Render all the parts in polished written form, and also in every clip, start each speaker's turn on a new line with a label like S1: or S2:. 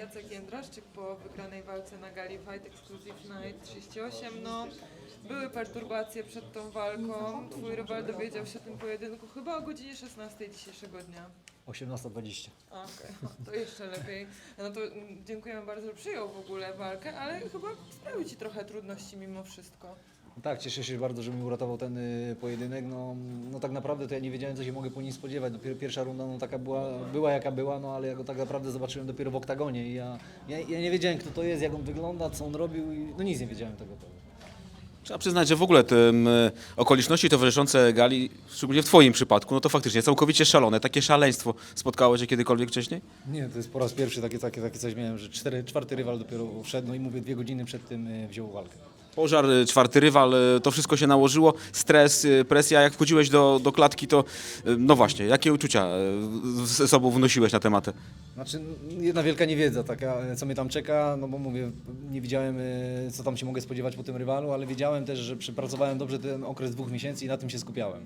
S1: Jacek Jędraszczyk po wygranej walce na gali Fight Exclusive Night 38. No, były perturbacje przed tą walką. Twój rywal dowiedział się o tym pojedynku chyba o godzinie 16 dzisiejszego dnia.
S2: 18:20.
S1: Okej, to jeszcze lepiej. No to dziękujemy bardzo, że przyjął w ogóle walkę, ale chyba sprawił Ci trochę trudności mimo wszystko.
S2: Tak, cieszę się bardzo, że mi uratował ten pojedynek. No tak naprawdę to ja nie wiedziałem, co się mogę po nim spodziewać. Dopiero pierwsza runda no, taka była jaka była, no ale ja go tak naprawdę zobaczyłem dopiero w oktagonie i ja nie wiedziałem, kto to jest, jak on wygląda, co on robił i no nic nie wiedziałem tego.
S3: Trzeba przyznać, że w ogóle te okoliczności towarzyszące gali, szczególnie w Twoim przypadku, no to faktycznie całkowicie szalone. Takie szaleństwo spotkało Cię kiedykolwiek wcześniej?
S2: Nie, to jest po raz pierwszy takie coś miałem, że czwarty rywal dopiero wszedł, no i mówię 2 godziny przed tym wziął walkę.
S3: Pożar, czwarty rywal, to wszystko się nałożyło, stres, presja. Jak wchodziłeś do klatki, to no właśnie, jakie uczucia ze sobą wnosiłeś na tematy?
S2: Znaczy jedna wielka niewiedza taka, co mnie tam czeka, no bo mówię, nie wiedziałem, co tam się mogę spodziewać po tym rywalu, ale wiedziałem też, że przepracowałem dobrze ten okres 2 miesięcy i na tym się skupiałem.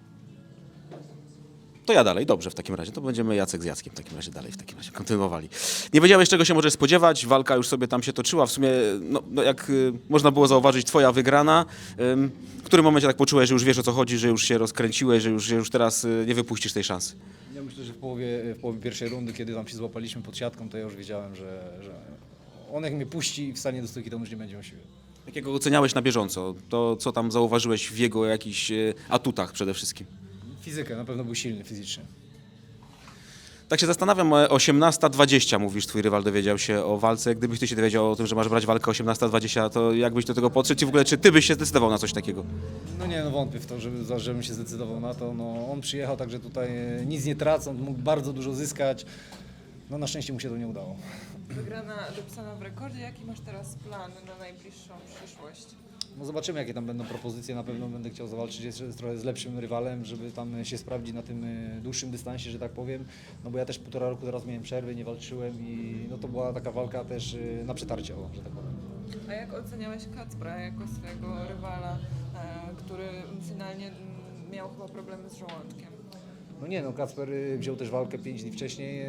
S3: To ja dalej, dobrze w takim razie. To będziemy Jacek z Jackiem w takim razie dalej kontynuowali. Nie wiedziałeś, czego się możesz spodziewać, walka już sobie tam się toczyła. W sumie, no jak można było zauważyć, Twoja wygrana. W którym momencie tak poczułeś, że już wiesz, o co chodzi, że już się rozkręciłeś, że już teraz nie wypuścisz tej szansy?
S2: Ja myślę, że w połowie pierwszej rundy, kiedy tam się złapaliśmy pod siatką, to ja już wiedziałem, że on jak mnie puści i wstanie do stójki, to już nie będzie miał siły.
S3: Jakiego oceniałeś na bieżąco? To, co tam zauważyłeś w jego jakichś atutach przede wszystkim?
S2: Fizykę, na pewno był silny fizycznie.
S3: Tak się zastanawiam, 18:20 mówisz, twój rywal dowiedział się o walce. Gdybyś ty się dowiedział o tym, że masz brać walkę 18:20, to jak byś do tego podszedł i w ogóle czy ty byś się zdecydował na coś takiego?
S2: No nie, no wątpię w to, żebym się zdecydował na to. No, on przyjechał, także tutaj nic nie tracąc, mógł bardzo dużo zyskać. No na szczęście mu się to nie udało.
S1: Wygrana dopisana w rekordzie. Jaki masz teraz plan na najbliższą przyszłość?
S2: No zobaczymy, jakie tam będą propozycje. Na pewno będę chciał zawalczyć jeszcze trochę z lepszym rywalem, żeby tam się sprawdzić na tym dłuższym dystansie, że tak powiem. No bo ja też 1,5 roku teraz miałem przerwy, nie walczyłem i no to była taka walka też na przetarcie, że tak powiem.
S1: A jak oceniałeś Kacpra jako swojego rywala, który finalnie miał chyba problemy z żołądkiem?
S2: No nie, no Kacper wziął też walkę 5 dni wcześniej.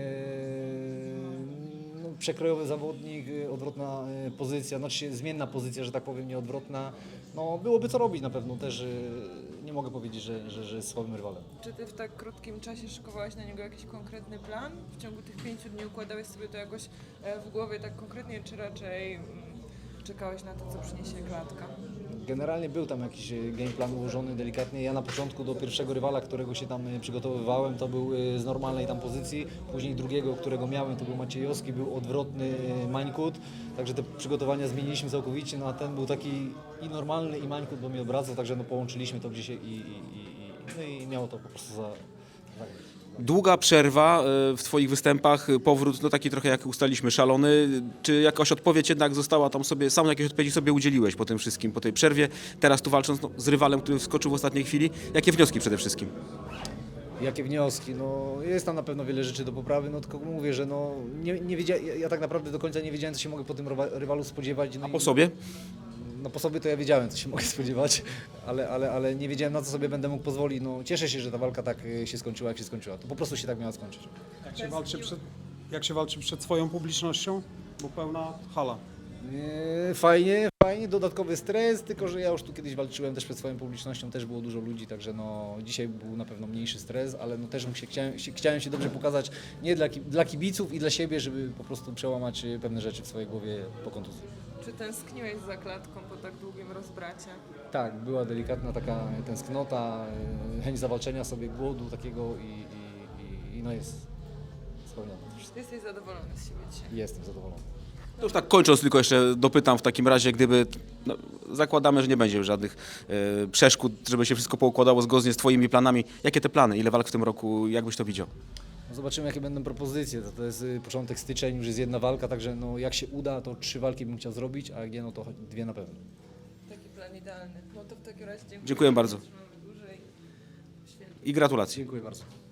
S2: No, przekrojowy zawodnik, odwrotna pozycja, znaczy zmienna pozycja, że tak powiem, nie odwrotna. No byłoby co robić na pewno też. Nie mogę powiedzieć, że jest słabym rywalem.
S1: Czy ty w tak krótkim czasie szykowałeś na niego jakiś konkretny plan? W ciągu tych 5 dni układałeś sobie to jakoś w głowie tak konkretnie, czy raczej czekałeś na to, co przyniesie klatka?
S2: Generalnie był tam jakiś game plan ułożony delikatnie. Ja na początku do pierwszego rywala, którego się tam przygotowywałem, to był z normalnej tam pozycji. Później drugiego, którego miałem, to był Maciejowski, był odwrotny Mańkut. Także te przygotowania zmieniliśmy całkowicie, no a ten był taki i normalny i Mańkut, bo mnie obracał, także no połączyliśmy to gdzieś no i miało to po prostu za.
S3: Długa przerwa w Twoich występach, powrót, no taki trochę jak ustaliśmy, szalony. Czy jakaś odpowiedź jednak została tam sobie, sam jakieś odpowiedzi sobie udzieliłeś po tym wszystkim, po tej przerwie? Teraz tu walcząc z rywalem, który wskoczył w ostatniej chwili. Jakie wnioski przede wszystkim?
S2: Jakie wnioski? No, jest tam na pewno wiele rzeczy do poprawy, no tylko mówię, że no, nie wiedziałem, ja tak naprawdę do końca nie wiedziałem, co się mogę po tym rywalu spodziewać. No
S3: A po sobie?
S2: No po sobie to ja wiedziałem, co się mogę spodziewać, ale nie wiedziałem, na co sobie będę mógł pozwolić. No, cieszę się, że ta walka tak się skończyła, jak się skończyła. To po prostu się tak miała skończyć.
S4: Jak się walczy przed swoją publicznością? Bo pełna hala.
S2: Fajnie, dodatkowy stres, tylko że ja już tu kiedyś walczyłem też przed swoją publicznością, też było dużo ludzi, także no, dzisiaj był na pewno mniejszy stres, ale no też chciałem się dobrze pokazać, nie dla kibiców i dla siebie, żeby po prostu przełamać pewne rzeczy w swojej głowie po kontuzji.
S1: Czy tęskniłeś za klatką po tak długim rozbracie?
S2: Tak, była delikatna taka tęsknota, chęć zawalczenia sobie, głodu takiego i no jest spełnione.
S1: Jesteś zadowolony z siebie dzisiaj?
S2: Jestem zadowolony.
S3: To już tak kończąc, tylko jeszcze dopytam w takim razie, gdyby, no, zakładamy, że nie będzie już żadnych przeszkód, żeby się wszystko poukładało zgodnie z Twoimi planami. Jakie te plany? Ile walk w tym roku? Jak byś to widział?
S2: No zobaczymy, jakie będą propozycje. To jest początek styczeń, już jest 1 walka, także no, jak się uda, to 3 walki bym chciał zrobić, a jak nie, no to 2 na pewno.
S1: Taki plan idealny. No to w takim razie
S3: Dziękuję bardzo.
S1: Trzymamy dłużej. Świetnie.
S3: I gratulacje.
S2: Dziękuję bardzo.